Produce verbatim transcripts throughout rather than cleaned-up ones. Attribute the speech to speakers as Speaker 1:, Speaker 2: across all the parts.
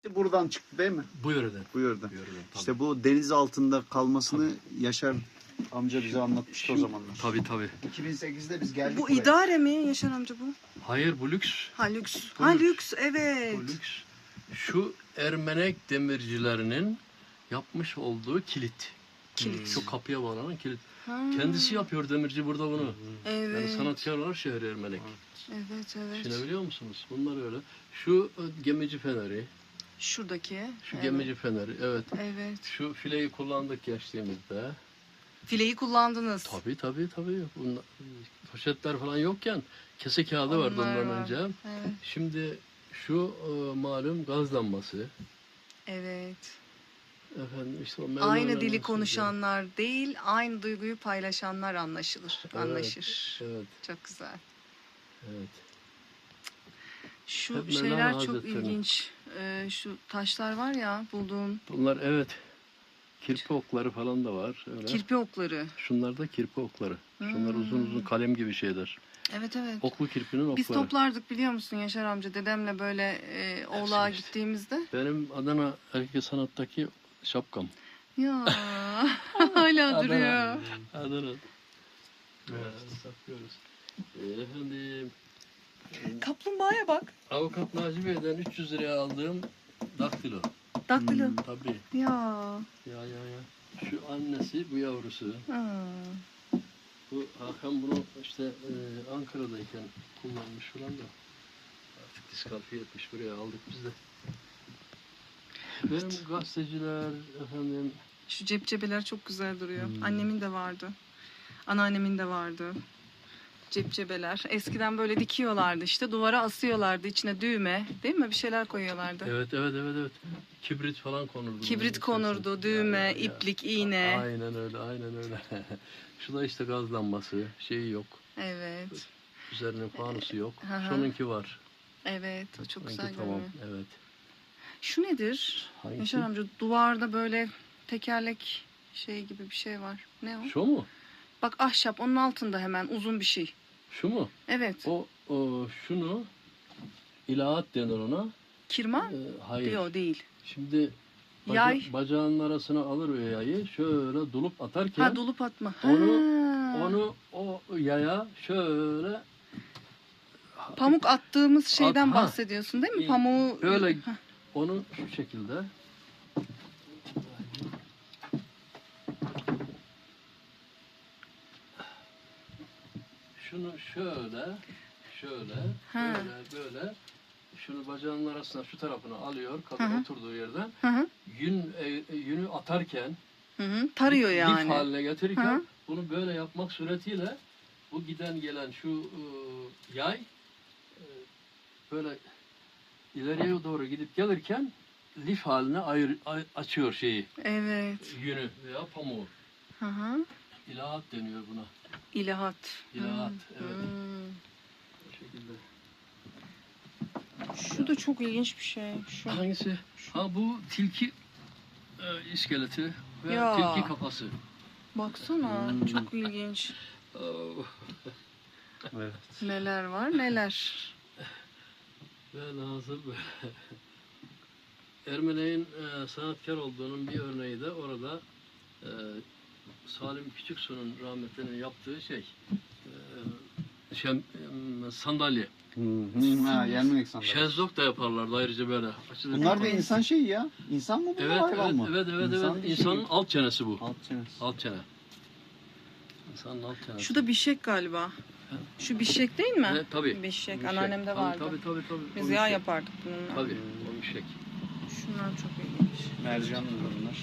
Speaker 1: Buradan çıktı değil mi?
Speaker 2: Bu yöreden.
Speaker 1: Bu yöreden.
Speaker 2: Bu yöreden, tabii.
Speaker 1: İşte bu deniz altında kalmasını Yaşar amca bize anlatmıştı o zamanlar.
Speaker 2: Tabii tabii.
Speaker 1: iki bin sekizde biz geldik
Speaker 3: Bu
Speaker 1: buraya.
Speaker 3: idare mi Yaşar amca bu?
Speaker 2: Hayır bu lüks.
Speaker 3: Ha lüks.
Speaker 2: Bu
Speaker 3: Ha
Speaker 2: lüks.
Speaker 3: lüks evet.
Speaker 2: Bu lüks. Şu Ermenek demircilerinin yapmış olduğu kilit.
Speaker 3: Kilit.
Speaker 2: Şu kapıya bağlanan kilit.
Speaker 3: Ha.
Speaker 2: Kendisi yapıyor demirci burada bunu.
Speaker 3: Evet.
Speaker 2: Yani sanatkarlar şehri Ermenek.
Speaker 3: Evet evet.
Speaker 2: Düşünebiliyor musunuz? Bunlar öyle. Şu e, gemici feneri.
Speaker 3: Şuradaki.
Speaker 2: Şu
Speaker 3: evet.
Speaker 2: gemici feneri. Evet.
Speaker 3: Evet.
Speaker 2: Şu fileyi kullandık geçtiğimizde.
Speaker 3: Fileyi kullandınız.
Speaker 2: Tabii tabii tabii. Bunlar, poşetler falan yokken kese kağıdı vardı
Speaker 3: Onlar
Speaker 2: ondan
Speaker 3: var.
Speaker 2: önce.
Speaker 3: Evet.
Speaker 2: Şimdi şu e, malum gaz lambası.
Speaker 3: Evet.
Speaker 2: Efendim işte o
Speaker 3: Aynı
Speaker 2: mermerler
Speaker 3: dili
Speaker 2: nasıl
Speaker 3: konuşanlar değil, aynı duyguyu paylaşanlar anlaşılır,
Speaker 2: Evet,
Speaker 3: anlaşır.
Speaker 2: Evet,
Speaker 3: Çok güzel.
Speaker 2: evet.
Speaker 3: Şu
Speaker 2: Hep
Speaker 3: şeyler
Speaker 2: Mevlana
Speaker 3: çok
Speaker 2: Hazretleri'nin.
Speaker 3: ilginç. Ee, şu taşlar var ya bulduğun
Speaker 2: Bunlar evet. Kirpi okları falan da var. Öyle.
Speaker 3: kirpi okları.
Speaker 2: Şunlar da kirpi okları. Şunlar
Speaker 3: Hmm.
Speaker 2: uzun uzun kalem gibi şeyler.
Speaker 3: Evet evet.
Speaker 2: Oklu kirpinin okları.
Speaker 3: Biz toplardık biliyor musun Yaşar amca dedemle böyle e, oğlağa
Speaker 2: işte.
Speaker 3: gittiğimizde.
Speaker 2: Benim Adana Erkek Sanat'taki şapkam.
Speaker 3: Ya hala duruyor.
Speaker 2: Adana. Evet, saklıyoruz. Ee, efendim,
Speaker 3: Kaplumbağaya bak.
Speaker 2: avukat Naci Bey'den üç yüz liraya aldığım daktilo.
Speaker 3: Daktilo.
Speaker 2: Tabii.
Speaker 3: Ya.
Speaker 2: Ya ya ya. Şu annesi, bu yavrusu.
Speaker 3: Ha.
Speaker 2: Bu Hakan bunu işte e, Ankara'dayken kullanmış falan da artık diskalifiye etmiş, buraya aldık biz de. Benim gazeteciler efendim
Speaker 3: Şu cepcebeler çok güzel duruyor.
Speaker 2: Hmm.
Speaker 3: Annemin de vardı. Anneannemin de vardı. Cepcebeler. Eskiden böyle dikiyorlardı işte. Duvara asıyorlardı. İçine düğme. Değil mi? Bir şeyler koyuyorlardı.
Speaker 2: evet evet evet evet kibrit falan konurdu.
Speaker 3: Kibrit
Speaker 2: bunun
Speaker 3: konurdu.
Speaker 2: içerisine.
Speaker 3: Düğme,
Speaker 2: Ya, ya, ya.
Speaker 3: iplik, iğne.
Speaker 2: Aynen öyle aynen öyle. Şu da işte gaz lambası şeyi yok.
Speaker 3: Evet.
Speaker 2: Üzerinin fanusu yok.
Speaker 3: Hı hı.
Speaker 2: Şununki var.
Speaker 3: Evet. O çok
Speaker 2: Şununki
Speaker 3: güzel
Speaker 2: tamam
Speaker 3: görünüyor.
Speaker 2: evet.
Speaker 3: Şu nedir?
Speaker 2: Hangisi?
Speaker 3: Yaşar amca duvarda böyle tekerlek şey gibi bir şey var. Ne o?
Speaker 2: Şu mu?
Speaker 3: Bak ahşap onun altında hemen uzun bir şey.
Speaker 2: Şu mu?
Speaker 3: Evet.
Speaker 2: O, o şunu ilahat denir ona.
Speaker 3: Kirma?
Speaker 2: Ee, hayır.
Speaker 3: Yok değil.
Speaker 2: Şimdi baca-
Speaker 3: Yay.
Speaker 2: bacağının arasına alır o yayı şöyle dolup atarken
Speaker 3: Ha dolup atma. Ha.
Speaker 2: Onu- onu o yaya şöyle
Speaker 3: Pamuk attığımız şeyden
Speaker 2: ha.
Speaker 3: bahsediyorsun değil mi?
Speaker 2: İyi.
Speaker 3: Pamuğu
Speaker 2: Böyle-
Speaker 3: Hah.
Speaker 2: onu şu şekilde şunu şöyle şöyle
Speaker 3: Ha.
Speaker 2: böyle böyle şunu bacağının arasına şu tarafına alıyor kadın
Speaker 3: Hı hı.
Speaker 2: oturduğu yerden
Speaker 3: Hı hı.
Speaker 2: yün e, yünü atarken
Speaker 3: Hı hı. Tarıyor
Speaker 2: lif
Speaker 3: yani.
Speaker 2: haline getirirken
Speaker 3: Hı hı.
Speaker 2: bunu böyle yapmak suretiyle bu giden gelen şu e, yay e, böyle ileriye doğru gidip gelirken lif haline ayır, ay- açıyor şeyi
Speaker 3: Evet.
Speaker 2: yünü veya pamuğu.
Speaker 3: Hı hı.
Speaker 2: İlahat deniyor buna.
Speaker 3: İlahat.
Speaker 2: İlahat,
Speaker 3: Hı.
Speaker 2: evet.
Speaker 3: Hı.
Speaker 2: Bu şekilde.
Speaker 3: Şu da çok ilginç bir şey. Şu.
Speaker 2: Hangisi? Ha bu tilki e, iskeleti ve
Speaker 3: Ya.
Speaker 2: tilki kafası.
Speaker 3: Baksana
Speaker 1: Hmm.
Speaker 3: çok ilginç.
Speaker 2: Oh.
Speaker 1: Evet.
Speaker 3: Neler var neler.
Speaker 2: Ve Nazır Ermeni'nin e, sanatkar olduğunun bir örneği de orada e, Salim Küçüksu'nun rahmetlinin yaptığı şey e, şem, e, sandalye.
Speaker 1: Hı hı. Ha, Yermenek sandalye.
Speaker 2: Şezlong da yaparlardı ayrıca böyle. Açılır.
Speaker 1: Bunlar da insan şeyi ya. İnsan mı bu
Speaker 2: Evet
Speaker 1: hayvan
Speaker 2: evet,
Speaker 1: mı?
Speaker 2: evet evet
Speaker 1: İnsan
Speaker 2: evet
Speaker 1: bir
Speaker 2: insanın
Speaker 1: şey.
Speaker 2: alt çenesi bu.
Speaker 1: Alt çenesi.
Speaker 2: Alt çene. İnsanın alt çenesi.
Speaker 3: Şu da bişek galiba. Şu bişek değil mi?
Speaker 2: Evet, tabii.
Speaker 3: Bişek.
Speaker 2: Bu
Speaker 3: Anneannemde
Speaker 2: şey.
Speaker 3: vardı.
Speaker 2: Tabii tabii tabii. tabii.
Speaker 3: Biz
Speaker 2: O
Speaker 3: yağ
Speaker 2: şey.
Speaker 3: yapardık bununla.
Speaker 2: Tabii. O şey.
Speaker 3: Şunlar çok ilginç.
Speaker 1: Mercan mı bunlar?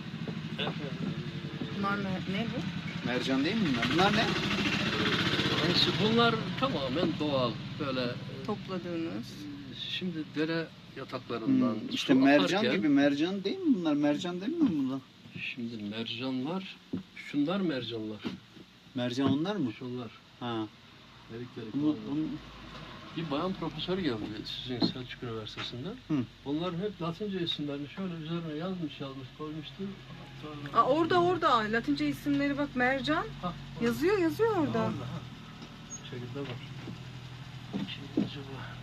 Speaker 3: Bunlar ne, ne bu?
Speaker 1: Mercan değil mi bunlar? Bunlar ne?
Speaker 2: Neyse, bunlar tamamen doğal böyle e,
Speaker 3: Topladığınız.
Speaker 2: şimdi dere yataklarından
Speaker 1: Hmm, işte
Speaker 2: su
Speaker 1: mercan
Speaker 2: akarken,
Speaker 1: gibi. Mercan değil mi bunlar? Mercan değil mi bunlar?
Speaker 2: şimdi mercanlar şunlar mercanlar
Speaker 1: Mercan onlar mı?
Speaker 2: şunlar
Speaker 1: Ha.
Speaker 2: delik delik
Speaker 1: Bunu,
Speaker 2: olanlar.
Speaker 1: bunu...
Speaker 2: Bir bayan profesör geldi sizin Selçuk Üniversitesi'nden.
Speaker 1: Hı.
Speaker 2: Onların hep Latince isimlerini şöyle üzerine yazmış yazmış koymuştu. Hatta-
Speaker 3: Aa, orada orada Latince isimleri bak mercan.
Speaker 2: Hah,
Speaker 3: Yazıyor yazıyor orada.
Speaker 2: orada, ha. Bu şekilde var. Şimdi acaba